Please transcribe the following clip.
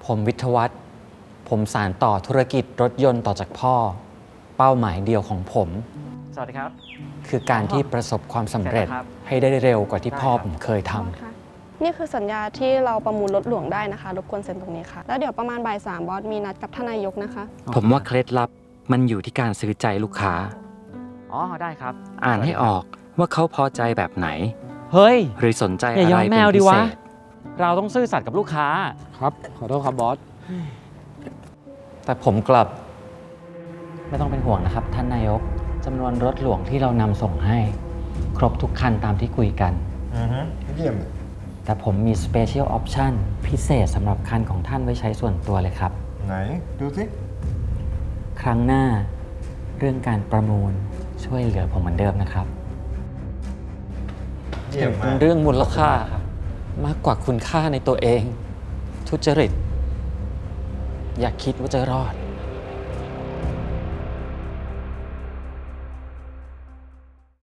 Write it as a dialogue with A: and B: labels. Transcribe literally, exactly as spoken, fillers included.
A: ผมวิทยวัฒน์ผมสานต่อธุรกิจรถยนต์ต่อจากพ่อ เป้าหมายเดียวของผม
B: สวัสดีครับ
A: คือการที่ประสบความสำเร็จ
B: เสร็จแล้วครับ
A: ให้ได้เร็วกว่าที่พ่อ
B: ได้ครับ
A: ผมเคยท
C: ค่ะนี่คือสัญญาที่เราประมูลรถหลวงได้นะคะรบกวนเซ็นตรงนี้ค่ะ แล้วเดี๋ยวประมาณบ่ายสามบอสมีนัดกับท่านนายกนะคะ
D: ผมว่าเคล็ดลับมันอยู่ที่การซื้อใจลูกค้า
B: อ๋อ ได้ครับ
D: อ่านให้ออกว่าเขาพอใจแบบไหน
B: เฮ้ย
D: หรือสนใจ
B: อย่า
D: อะ
B: ยอ
D: ไร
B: มแม
D: เป็น
B: วดิ
D: พิ
B: วะ
D: เศษ
B: เราต้องซื่อสัตย์กับลูกค้า
E: ครับ ขอโทษครับบอส
A: ำแต่ผมกลับ ไม่ต้องเป็นห่วงนะครับ ท่านนายกจำนวนรถหลวงที่เรานำส่งให้ ครบทุกคันตามที่คุยกัน
F: อือฮึเยี่ยม
A: แต่ผมมี Special Option พิเศษสำหรับคันของท่านไว้ใช้ส่วนตัวเลยครับ
F: ไหน ดูสิ
A: ครั้งหน้าเรื่องการประมูลช่วยเหลือผมเหมือนเดิมนะครับ
F: เยี่ยม
A: เป็
F: มาน ก
A: เรื่องมูลค่า มากกว่าคุณค่าในตัวเอง ทุจริต อย่าคิดว่าจะรอด